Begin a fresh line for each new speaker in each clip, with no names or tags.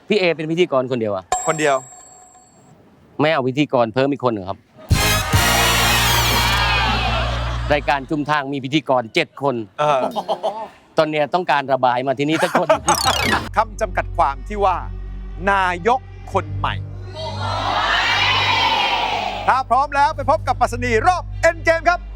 พี่เอเป็นพิธีกรคนเดียวอะ
คนเดียว
ไม่เอาพิธีกรเพิ่มอีกคนหนึ่งครับ รายการจุมทางมีพิธีกร7 คน ตอนเนี้ยต้องการระบายมาที่นี่สักคน
คำจำกัดความที่ว่า นายกคนใหม่ ถ้าพร้อมแล้วไปพบกับปรัชนีรอบเอ็นเกมครับ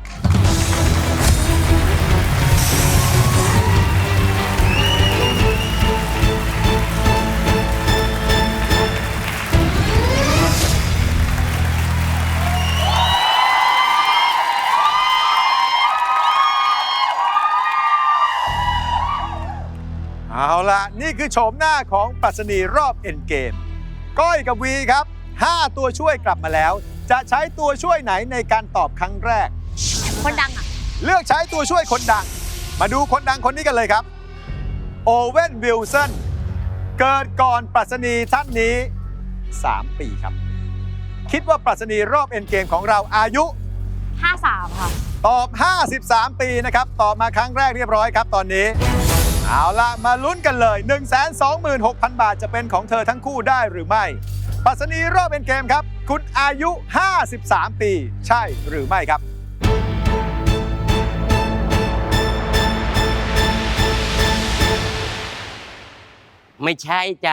เอาล่ะ นี่คือโฉมหน้าของปรัชนีรอบเอ็นเกม ก้อยกับวีครับ 5 ตัวช่วยกลับมาแล้ว จะใช้ตัวช่วยไหนในการตอบครั้งแรก
คนดังอ่ะ
เลือกใช้ตัวช่วยคนดัง มาดูคนดังคนนี้กันเลยครับ โอเว่นวิลสัน เกิดก่อนปรัชนีท่านนี้ 3 ปีครับ คิดว่าปรัชนีรอบเอ็นเกมของเราอายุ
53 ค่ะ
ตอบ 53 ปีนะครับ ตอบมาครั้งแรกเรียบร้อยครับตอนนี้ เอาล่ะ มาลุ้นกันเลย 126,000 บาทจะเป็นของเธอทั้งคู่ได้หรือไม่ปรัชนีรอบเอ็นเกมครับ คุณอายุ 53 ปี ใช่หรือไม่ครับ
ไม่ใช่จ้ะ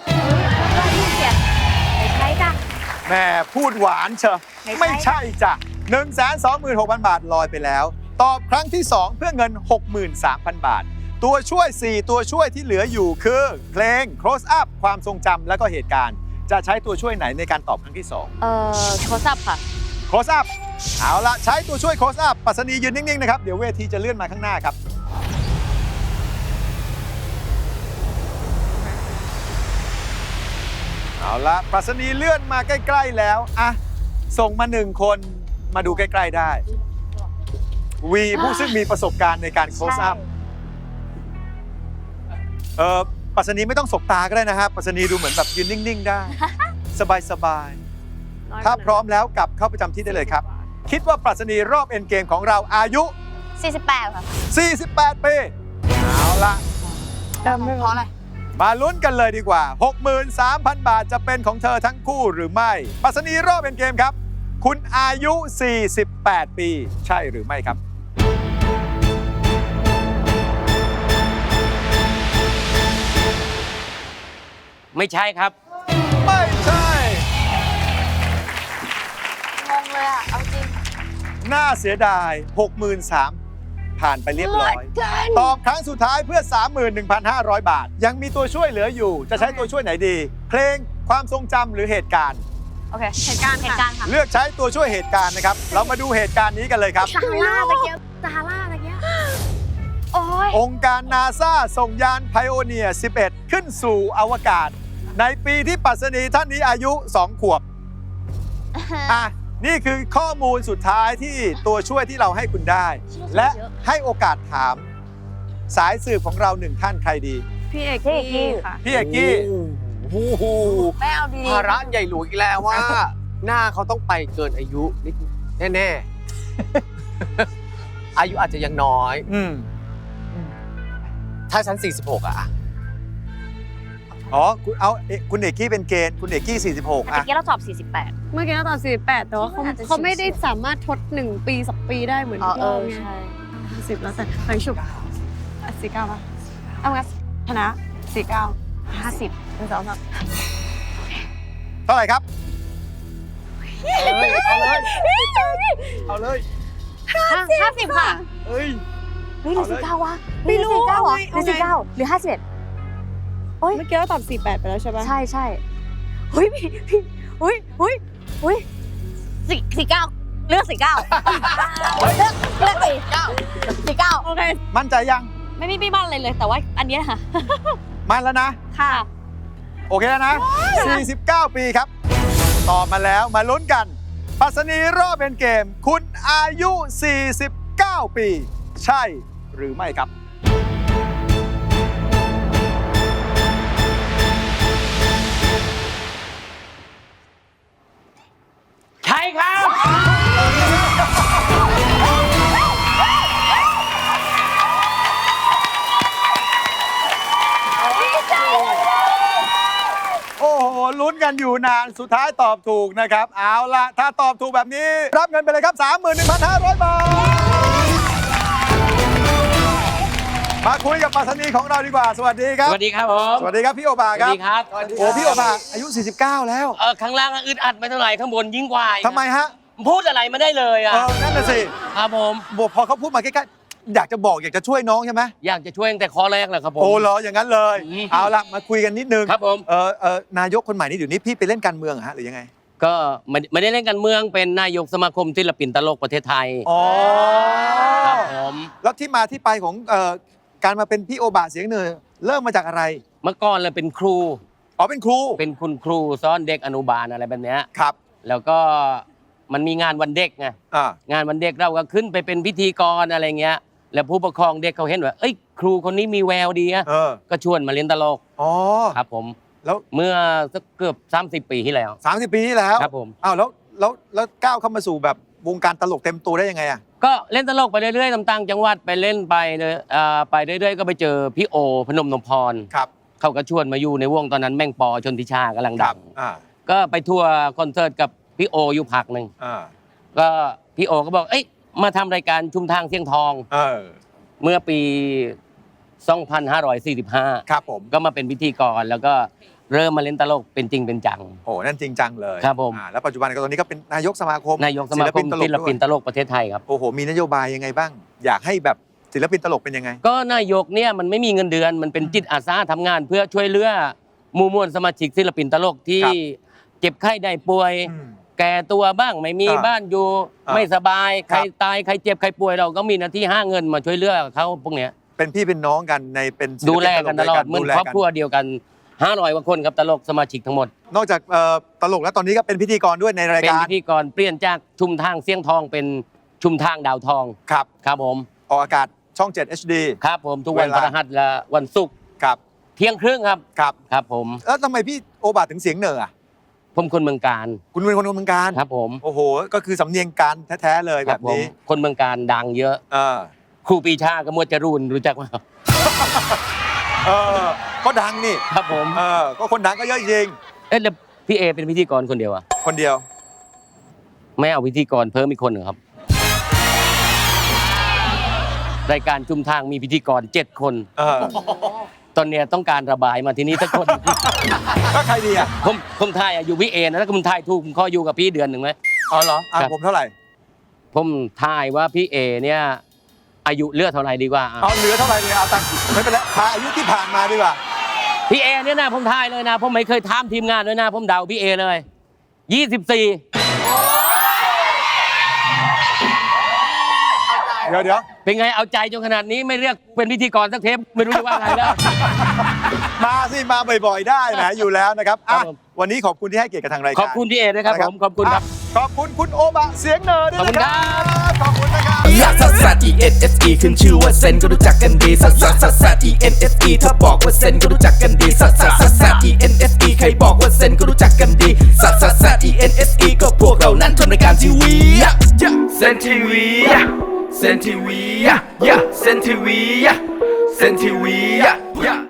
ไม่ใช่จ้ะ
แม่พูดหวานเชอะ
ไม่ใช่
ไม่ใช่จ้ะ 126,000 บาทลอยไปแล้ว ตอบครั้งที่ 2 เพื่อเงิน 63,000 บาท ตัวช่วย 4 ตัวช่วยที่เหลืออยู่คือเพลง close up ความทรงจำและก็เหตุการณ์ จะใช้ตัวช่วยไหนในการตอบครั้งที่
โทรศัพท์ค่ะ
2 close up เอาละใช้ตัวช่วย close up ปรัชนียืนนิ่ง ๆ นะครับ เดี๋ยวเวทีจะเลื่อนมาข้างหน้าครับ เอาละปรัชนีเลื่อนมาใกล้ ๆ แล้วอะส่งมา 1 คนมาดูใกล้ ๆ ได้ วีผู้ซึ่งมีประสบการณ์ในการ close up ปรัชนีไม่ต้องสบตาก็ได้นะครับปรัชนีดูเหมือนแบบยืนนิ่ง ๆ ได้ สบาย ๆ ถ้าพร้อมแล้วกลับเข้าประจำที่ได้เลยครับ คิดว่าปรัชนีรอบเอ็นเกมของเราอายุ
48 ค่ะ
48 ปี เอาละ
เพราะอะไร
มาลุ้นกันเลยดีกว่า 63,000 บาทจะเป็นของเธอทั้งคู่หรือไม่ปรัชนีรอบเอ็นเกมครับ คุณอายุ 48 ปี ใช่หรือไม่ครับ
ไม่ใช่ครับ
ไม่ใช่
งงเลยอ่ะ เอาจริง
น่าเสียดาย 63,000 ผ่านไปเรียบร้อย ตอบครั้งสุดท้ายเพื่อ 31,500 บาท ยังมีตัวช่วยเหลืออยู่ จะใช้ตัวช่วยไหนดี เพลงความทรงจำหรือเหตุการณ์
โอเค เหตุการณ์ค่ะ
เลือกใช้ตัวช่วยเหตุการณ์นะครับ เรามาดูเหตุการณ์นี้กันเลยครับ
ซาร่าตะเกียบซาร่าตะเกียบโอ้ย
องค์การนาซาส่งยานไพโอเนียร์ 11 ขึ้นสู่อวกาศ ในปีที่ปรัชนีท่านนี้อายุ 2 ขวบ อ่ะ นี่คือข้อมูลสุดท้ายที่ตัวช่วยที่เราให้คุณได้ และให้โอกาสถาม สายสืบของเรา1 ท่านใครดี
พี่เอกกี้ค่ะ
พี่เอกกี้
โอ้โห
แม่เอาดี
ภาระใหญ่หลวงอีกแล้วว่า หน้าเขาต้องไปเกินอายุนิดแน่ๆ อายุอาจจะยังน้อย ถ้าฉัน 46 อ่ะ
อ๋อคุณเอกกี้เป็นเกณฑ์คุณเอกกี้ 46
ตะ
อ่ะ
เกียบเราตอบ 48
เมื่อกี้เราตอบ48 แต่ว่าเขา
น่าจะ
เขาไม่ได้สามารถทด1 ปี 2 ปีได้เหมือน
อ๋อ
พี่อ้อมไง
ใช่
50แล้วแต่ไปฉุบ49ป่ะเอางั้นชนะ49 50 1 2 3
เท่าไหร่ครับ
เอาเลย
50 ค่ะ
เอ้ย
เฮ้ยหรือ
เอาเลย
49วะ
ไม่รู้
49เหรอ
เอา
หรือ
ไง
49หรือ51
เมื่อกี้เราตอบ48 ไปแล้วใช่ป่ะ
ใช่เฮ้ยพี่เฮ้ย49เลือก49เลือก49
โอเค
มั่นใจยัง
ไม่บ้านอะไรเลย แต่ว่าอันเนี้ยค่ะ
มั่นแล้วนะ
ค่ะ
โอเคแล้วนะ 49 ปีครับ ตอบมาแล้วมาลุ้นกันปรัชนีรอบเป็นเกม คุณอายุ 49 ปี ใช่หรือไม่ครับ
ใช่ครับ
ด
ลุ้นกันอยู่นานสุดท้ายตอบถูกนะครับ เอาละถ้าตอบถูกแบบนี้ รับเงินไปเลยครับ 31,500 บาท มาคุยกับปรัชนีของเราดีกว่า สวัสดีครับ
สวัสดีครับผม
สวัสดีครับพี่โอบา
ส
ค
วั
รับ
สดีครับ
โอ้พี่โอบาอายุ 49 แล้ว
ข้างล่างอึดอัดไม่เท่าไหร่ข้างบนยิ่งกว่าอีก
ทำไมฮะ
พูดอะไรไม่ได้เลยอ่ะ
นั่นน่ะสิ
ครับผม
พอเขาพูดมาใกล้ๆอยากจะบอกอยากจะช่วยน้องใช่ไหม
อยากจะช่วยตั้งแต่ข้อแรกเลยครับผม
โอ้เหรออย่างนั้นเลย
อืม
เอาละมาคุยกันนิดนึง
ครับผม
นายกคนใหม่นี่เดี๋ยวนี้พี่ไปเล่นการเมืองเหรอฮะหรือยังไง
ก็ไม่ได้เล่นการเมืองเป็นนายกสมาคมศิลปินตลกประเทศไทย
อ๋อ
ครับผม
แล้วที่มาที่ไปของการมาเป็นพี่โอบาเสียงเหนือเริ่มมาจากอะไร
เมื่อก่อนเลยเป็นครู
อ๋อเป็นครู
เป็นคุณครูสอนเด็กอนุบาลอะไรแบบเนี้ย
ครับ
แล้วก็มันมีงานวันเด็กไง
อ่าง
านวันเด็กเราก็ขึ้นไปเป็นพิธีกรอะไรเงี้ย แล้วผู้ปกครองเด็กเขาเห็นว่าเอ้ยครูคนนี้มีแววดีอะ ก็ชวนมาเล่นตลก
อ๋อ
ครับผม
แล้ว
เมื่อสักเกือบ30 ปีที่แล้ว
30 ปีที่แล้ว
ครับผม
อ้าวแล้วก้าวเข้ามาสู่แบบวงการตลกเต็มตัวได้ยังไงอ่ะ
ก็เล่นตลกไปเรื่อยๆตามต่างจังหวัดไปเล่นไปเลยไปเรื่อยๆก็ไปเจอพี่โอพนมนพพร
ครับ
เขาก็ชวนมาอยู่ในวงตอนนั้นแม่งปอชนทิชากำลัง
ค
ดั
รับ
ง
อ่า
ก็ไปทัวร์คอนเสิร์ตกับพี่โออยู่พักหนึ่ง
อ่า
ก็พี่โอก็บอกเอ้ยมาทำรายการชุมทางเสียงทอง เมื่อปี 2545
ครับผม
ก็มาเป็นพิธีกรแล้วก็เริ่มมาเล่นตลกเป็นจริงเป็นจัง
โอ้นั่นจริงจังเลย
ครับผม
แล้วปัจจุบันก็ตอนนี้ก็เป็นนายกสมาคม
นายกสมาคมศิลปิน
ด้วย
ตลกประเทศไทยครับ
โอ้โหมีนโยบายยังไงบ้าง อยากให้แบบศิลปินตลกเป็นยังไง
ก็นายกเนี่ยมันไม่มีเงินเดือนมันเป็นจิตอาสาทำงานเพื่อช่วยเหลือหมู่มวลสมาชิกศิลปินตลกที่
ครับ
เจ็บไข้ได้ป่วย
อืม
แก่ตัวบ้างไม่มี
อ่า
บ้านอยู่
อ่า
ไม่สบาย
ค
ใค
รั
ร
บ
ตายใครเจ็บใครป่วยเราก็มีหน้าที่หาเงินมาช่วยเหลือเขาพวกเนี้ย
เป็นพี่เป็นน้องกันในเป็นศิ
ดู
ปิ
แลกันตลอด
วย
เหมือน
ดูแล
ครอบครัวเดียวกัน500กว่าคนครับตลกสมาชิกทั้งหมด
นอกจากตลกแล้วตอนนี้ก็เป็นพิธีกรด้วยในราย
เป็น
การ
พิธีกรเปลี่ยนจากชุมทางเสียงทองเป็นชุมทางดาวทอง
ครับ
ครับผม
ออกอากาศช่อง 7 HD
ครับผมทุกวัน
เว
พ
ลา
ฤหัสและวันศุกร์
ครับ
เที่ยงครึ่งครับ
ครับ
ครับผม
แล้วทำไมพี่โอบาถึงเสียงเหนืออ่ะ
ผมคนเมืองการ
คุณเป็นคนเมืองการ
ครับผม
โอ้โห ก็คือสำเนียงการแท้ๆเลย
ค
แบ
รับบ ผม
นี้
คนเมืองการดังเยอะ
เออ
ครูปรีชากับมวดจรูนรู้จักไหม
เออก็ดังนี่
ครับผม
ก็คนดังก็เยอะจริง
เอ๊ะแล้วพี่เอเป็นพิธีกรคนเดียวอะ
คนเดียว
ไม่เอาพิธีกรเพิ่มอีกคนหนึ่งครับ รายการชุมทางมีพิธีกร7 คน ตอนเนี้ยต้องการระบายมาที่นี่สักคน
ก็ใครดีอ่ะ
ผมทายอะอยู่พี่เอนะถ้าผมทายถูกผมขออยู่กับพี่เดือนหนึ่งไหม
อ๋อเหรอ
ครับ
ผมเท่าไหร่
ผมทายว่าพี่เอเนี่ยอายุเลือดเท่าไหร่ดีกว่าอะ
เอาเหลือเท่าไหร่เลยเอาตังค์ไม่เป็นไรพาอายุที่ผ่านมาดีกว่า
พี่เอเนี่ยนะผมทายเลยนะผมไม่เคยถามทีมงานเลยนะผมเดาพี่เอเลย24
เดี๋ยว
เป็นไงเอาใจจนขนาดนี้ไม่เรียกเป็นพิธีกรสักเทปไม่รู้จะว่าไงแล้ว
มาสิมาบ่อยๆได้นะอยู่แล้วนะครับอ่ะ
ครับผม
วันนี้ขอบคุณที่ให้เกียรติกับทางรายการ
ขอบคุณพี่เอด้วยครับผมขอบคุณครับ
ขอบคุณคุณโอบะเสียงเหนือด้วยนะค
ขอบคุณครั
รับ ขอบคุณนะครับ
ลักซัสซัส E N S E ขึ้นชื่อว่าเซนก็รู้จักกันดีซัสซัสซัสซัส E N S E ถ้าบอกว่าเซนก็รู้จักกันดีซัสซัสซัสซัส E N S E ใครบอกว่าเซนก็รู้จักกันดีซัสซัสซัส E N S E ก็พวกเรานั้นทำรายการทีวีเซนทีวีเซนทีวีเซนทีวีเซนทีวี